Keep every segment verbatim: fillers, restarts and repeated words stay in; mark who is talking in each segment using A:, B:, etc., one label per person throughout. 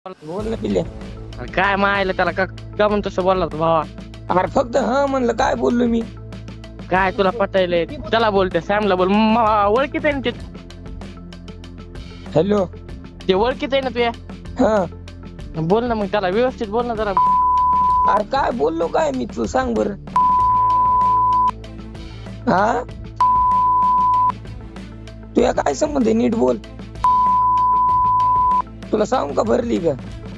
A: बोल ना पिल्ले.
B: अरे काय मायला त्याला का का म्हणून तसं बोलला तू भावा?
A: अरे फक्त हा म्हणलं, काय बोललो मी?
B: काय तुला पटायलंय? त्याला बोलते सॅमला बोल. म- ओळखीत आहे ना ते
A: हॅलो.
B: ते ओळखीत आहे ना तुया.
A: हा
B: बोल ना मग त्याला व्यवस्थित बोल ना जरा.
A: अरे काय बोललो काय मी, तू सांग बर. हा तुया काय संबंध आहे, नीट बोल. तुला सांगू का भरली का?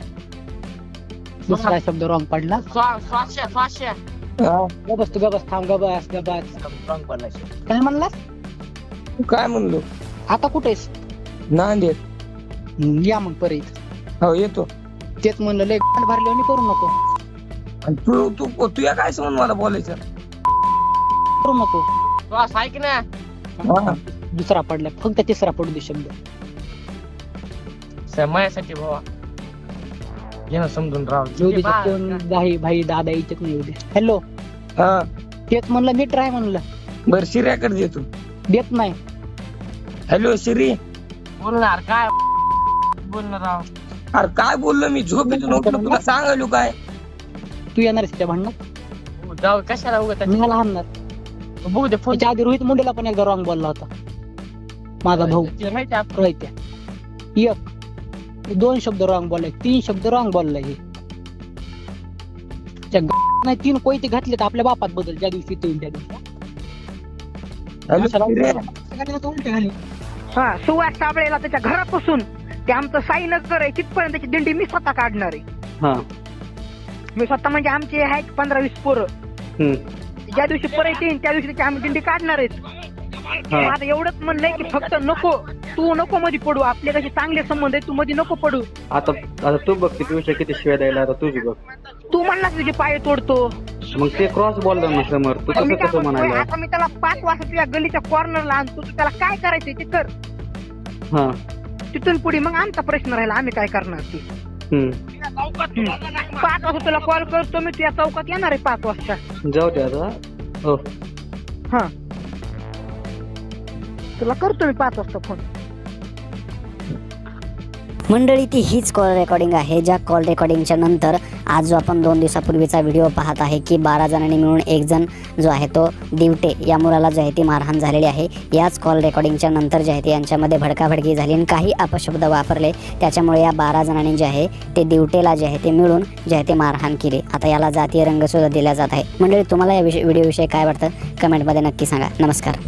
C: दुसरा शब्द रॉंग पडला.
B: स्वा- स्वाश्या स्वाश्या
A: हा
C: गबस तू गबस थांब गबस गबस. काय म्हणलास?
A: काय म्हणलो?
C: आता कुठेस?
A: नांदेड.
C: हम्म, या मग परत.
A: हो येतो.
C: तेच म्हणलं लय गांड भरल्यावानी करू नको.
A: आणि तू तू तुया काय संबंध मला बोलायचं?
C: करू नको.
B: श्वास ऐक ना.
A: हा
C: दुसरा पडला, फक्त तिसरा पडू दे शब्द.
B: स- माझ्यासाठी भावा घे ना समजून राव.
C: येऊ दे
B: बा-
C: कोण भाई भाई दादा इच्छित नाही. येऊ दे. हॅलो.
A: हा
C: तेच म्हणलं नीट राह म्हणलं.
A: बर शिर्याकडे देतो.
C: देत नाही.
A: हॅलो शिरी.
B: बोलणार काय बोलणार राव.
A: अरे काय बोललो मी? झोपेतून उठलो, तुला सांगायलो काय?
C: तू येणार त्या भांडणात?
B: हो, जाऊ कशाला उगत
C: मी मला हाणणार.
B: बघू दे फोन.
C: त्याच्या आधी रोहित मुंडेला पण एकदा रॉंग बोलला होता माझा भाऊ.
B: माहिती आहे
C: रोहित्या एक दोन शब्द रॉंग बोललाय, तीन शब्द रॉंग बोललाय. हे त्या ग- नाही तीन कोयते घातले तर आपल्या बापात बदल ज्या दिवशी ते येईल त्या दिवशी.
A: हॅलो शिर्या.
C: उलटे घाली.
D: हा सुवास साबळेला त्याच्या घरापासून ते आमचं साईनगर आहे तिथपर्यंत त्याची दिंडी मी स्वतः काढणार आहे.
C: हा.
D: मी स्वतः म्हणजे आमचे आहेत पंधरा वीस पोरं.
C: हम्म.
D: ज्या दिवशी परत येईन त्या दिवशी त्याची आम्ही दिंडी काढणार आहेत. आता एवढंच म्हणलंय की फक्त नको, तू नको मध्ये पडू. आपले कसे चांगले संबंध आहे, तू मध्ये नको पडू.
E: आता आता तू बघ किती विषय किती शिवाय द्यायला, आता तुझी बघ.
D: तू म्हणलास तुझे पाय तोडतो.
E: मग ते क्रॉस बोलला ना समोर, तू
D: मी
E: कसं
D: काय
E: कसं
D: म्हणतोय,
E: म्हणायला?
D: आता मी त्याला पाच वाजता तुझ्या गलीच्या कॉर्नरला आणतो. तू त्याला काय करायचंय ते कर.
E: हा.
D: तिथून पुढे मग आमचा प्रश्न राहिला, आम्ही काय करणार ते.
E: हम्म.
D: हम्म. पाच वाजता तुला कॉल करतो मी, तुझ्या चौकात येणार आहे पाच वाजता.
E: जाऊ दे आता. हो.
D: हा तुला करतो मी पाच वाजता फोन.
F: मंडळी ती हीच कॉल रेकॉर्डिंग आहे, ज्या कॉल रेकॉर्डिंगच्या नंतर आज जो आपण दोन दिवसापूर्वीचा व्हिडिओ पाहत आहे की बारा जणांनी मिळून एक जण जो आहे तो दिवटे या मुलाला जे आहे ती मारहाण झालेली आहे. याच कॉल रेकॉर्डिंगच्या नंतर जे आहे ते यांच्यामध्ये भडकाभडकी झाली आणि काही अपशब्द वापरले, त्याच्यामुळे या बारा जणांनी जे आहे ते दिवटेला जे आहे ते मिळून जे आहे ते मारहाण केली. आता याला जातीय रंगसुद्धा दिला जात आहे. मंडळी तुम्हाला या विषय व्हिडिओविषयी काय वाटतं कमेंटमध्ये नक्की सांगा. नमस्कार.